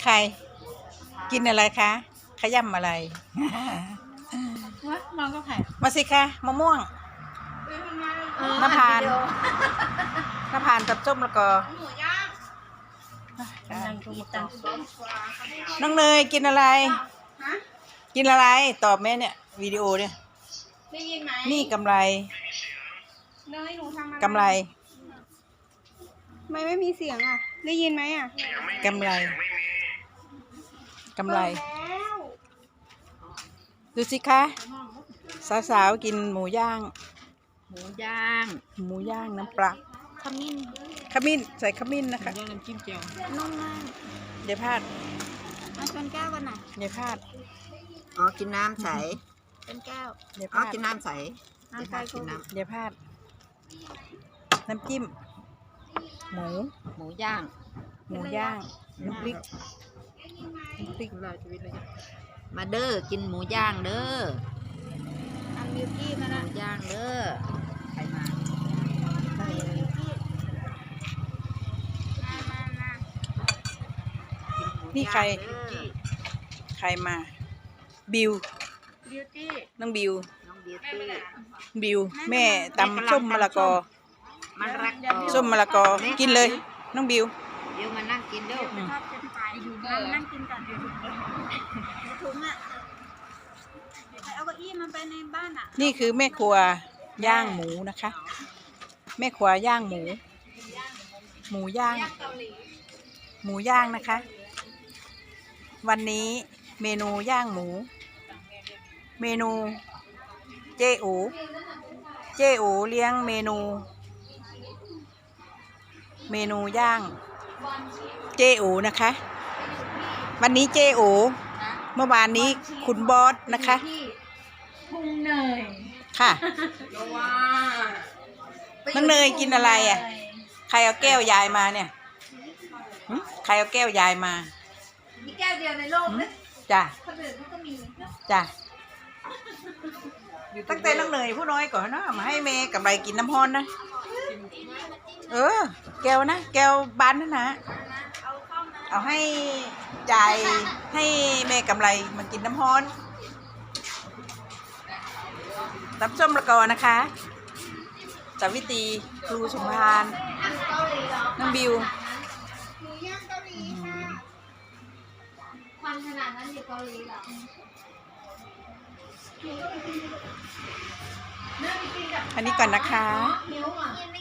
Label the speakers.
Speaker 1: ใครกินอะไรคะขย้ำอะไร
Speaker 2: มองก็ไผ่
Speaker 1: มาสิคะมะม่วงน้ำพานกับส้มแล้วก็น้องเนยกินอะไรกินอะไรตอบแม่เนี่ยวิดีโอเนี่ย
Speaker 2: ได้ยินไหม
Speaker 1: นี่กำไร
Speaker 2: เนยหนูทำอะไร
Speaker 1: กำไร
Speaker 2: ไม่มีเสียงอ่ะได้ยินไหมอ่ะ
Speaker 1: กำไรดูสิคะสาวๆกินหมูย่างน้ำปลาขมิ้นใส่ขมิ้นนะคะ
Speaker 2: น้ำจิ้มเจียวนุ่มมาก
Speaker 1: อย่าพลาด
Speaker 2: มาชนแก้วกันหน่อย
Speaker 1: อย่าพลาด
Speaker 3: อ๋อกินน้ำใส
Speaker 2: เป็นแก้ว
Speaker 1: อย่าพ
Speaker 3: อ๋อ
Speaker 1: ลาด
Speaker 3: กินน้ำใส
Speaker 2: กินน้
Speaker 1: อย่าพลาดน้ำจิ้มหมูย่างน้ำพริก
Speaker 3: มาเด้อกินหมูย่างเด้อ
Speaker 2: อันมิวกี้มาละ
Speaker 3: หมูย่างเด้อใครมา
Speaker 1: นี่ใครมาบิวน้องบิวแม่ตำส้มมะละกอส้มมะละกอกินเลยน้องบิว
Speaker 3: มานั่งกินเด้อ
Speaker 2: นั่งกินก่อนถุงอ่ะเอาเก้าอี้มันไปในบ้านอ่ะ
Speaker 1: นี่คือแม่ครัวย่างหมูนะคะแม่ครัวย่างหมูย่างนะคะวันนี้เมนูย่างหมูเมนูเจ๊อูเลี้ยงเมนูย่างเจ๊อูนะคะวันนี้เจ๊อูเมื่อวานนี้คุณบอสนะคะ
Speaker 2: พุงเนย
Speaker 1: ค่ะน้องเนยกินอะไรอ่ะใครเอาแก้วยายมาเนี่ยใครเอาแก้วยายมา
Speaker 2: มีแก้วเดียวในโลกเลย
Speaker 1: จ้ะ
Speaker 2: คนอื่นเขาก็มี
Speaker 1: จ้ะตั้งแต่น้องเนยผู้น้อยก่อนนะมาให้เมย์กับไรกินน้ำฮ้อนนะแก้วนะแก้วบานนั่นนะเอาให้จ่ายให้เมย์กับไรมากินน้ำฮ้อนตับส้มละกอนะคะสาวิตรีครูสมภารน้องบิว
Speaker 2: ความขนาดนั้นอยู่เกาหลีเหรอ
Speaker 1: อันนี้ก่อนนะคะ